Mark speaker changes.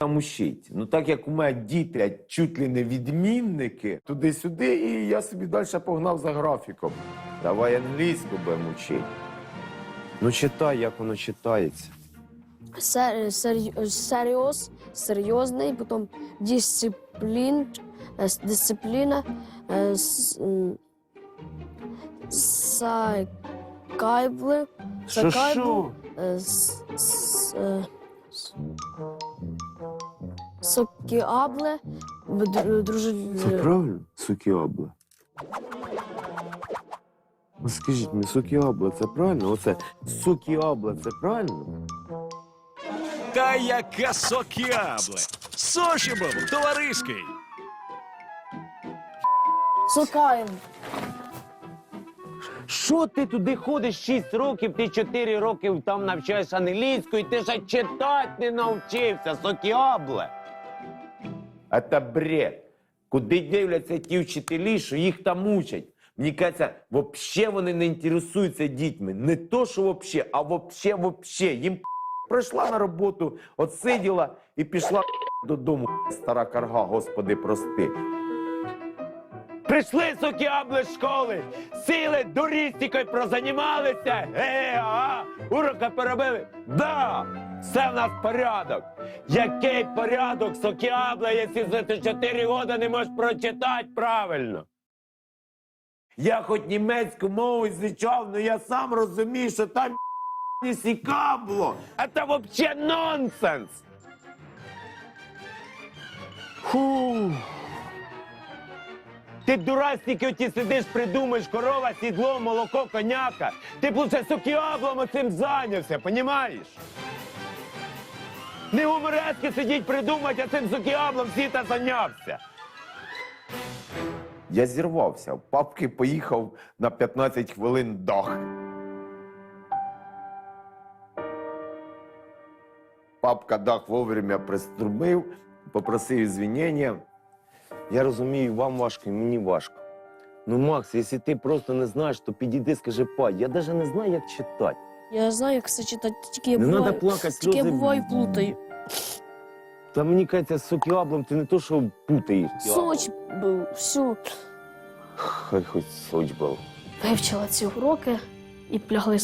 Speaker 1: там учить. Ну так як у мене діти чуть ли не відмінники, туди-сюди, і я собі далі погнав за графіком. Давай англійську будемо вчити. Ну читай, як воно читається.
Speaker 2: Серйозний, потім дисципліна, сакайбле,
Speaker 1: Що?
Speaker 2: сокіабле,
Speaker 1: Це правильно? Сукіабле. Ну скажіть мені, сукіабле це правильно? Оце сукіабле це правильно?
Speaker 3: Та яке сокіабле! Сочибов, товариський!
Speaker 2: сокайбле.
Speaker 4: Що ти туди ходиш 6 років, ти 4 роки там навчаєш англійську, і ти ще читати не навчився, сокіабле.
Speaker 1: Це бред. Куди дивляться ті вчителі, що їх там учать? Мені кажеться, взагалі вони не інтересуються дітьми. Не то, що взагалі, а взагалі. Їм прийшла на роботу, отсиділа і пішла додому, стара карга, Господи, прости.
Speaker 4: Прийшли сокіабли з школи, сіли, дурістикою прозанімалися, уроки перебили. Да, все в нас порядок. Який порядок, сокіабла, якщо за 4 роки не можеш прочитати правильно?
Speaker 1: Я хоч німецьку мову звичав, але я сам розумію, що там не сікабло.
Speaker 4: Це взагалі нонсенс.
Speaker 1: Фу.
Speaker 4: Ти дурастики оті сидиш, придумаєш, корова, сідло, молоко, коняка. Ти б лише сокіаблом оцим зайнявся, понімаєш? Не гуморески сидіть придумати, а цим сокіаблом всі-то зайнявся.
Speaker 1: Я зірвався. В папки поїхав на 15 хвилин дах. Папка дах вовремя приструмив, попросив извинення.
Speaker 4: Я розумію, вам важко і мені важко. Ну, Макс, якщо ти просто не знаєш, то підійди, скажи, па, я навіть не знаю, як читати.
Speaker 2: Я знаю, як це читати, тільки я
Speaker 4: Не
Speaker 2: буваю,
Speaker 4: треба плакати,
Speaker 2: тільки я
Speaker 4: сльози.
Speaker 2: буваю плутаю.
Speaker 4: Та мені кажеться, з сокіаблом ти не то, що путаєш.
Speaker 2: Соч був, всю.
Speaker 4: Хай хоч соч був.
Speaker 2: Вивчила ці уроки і плягли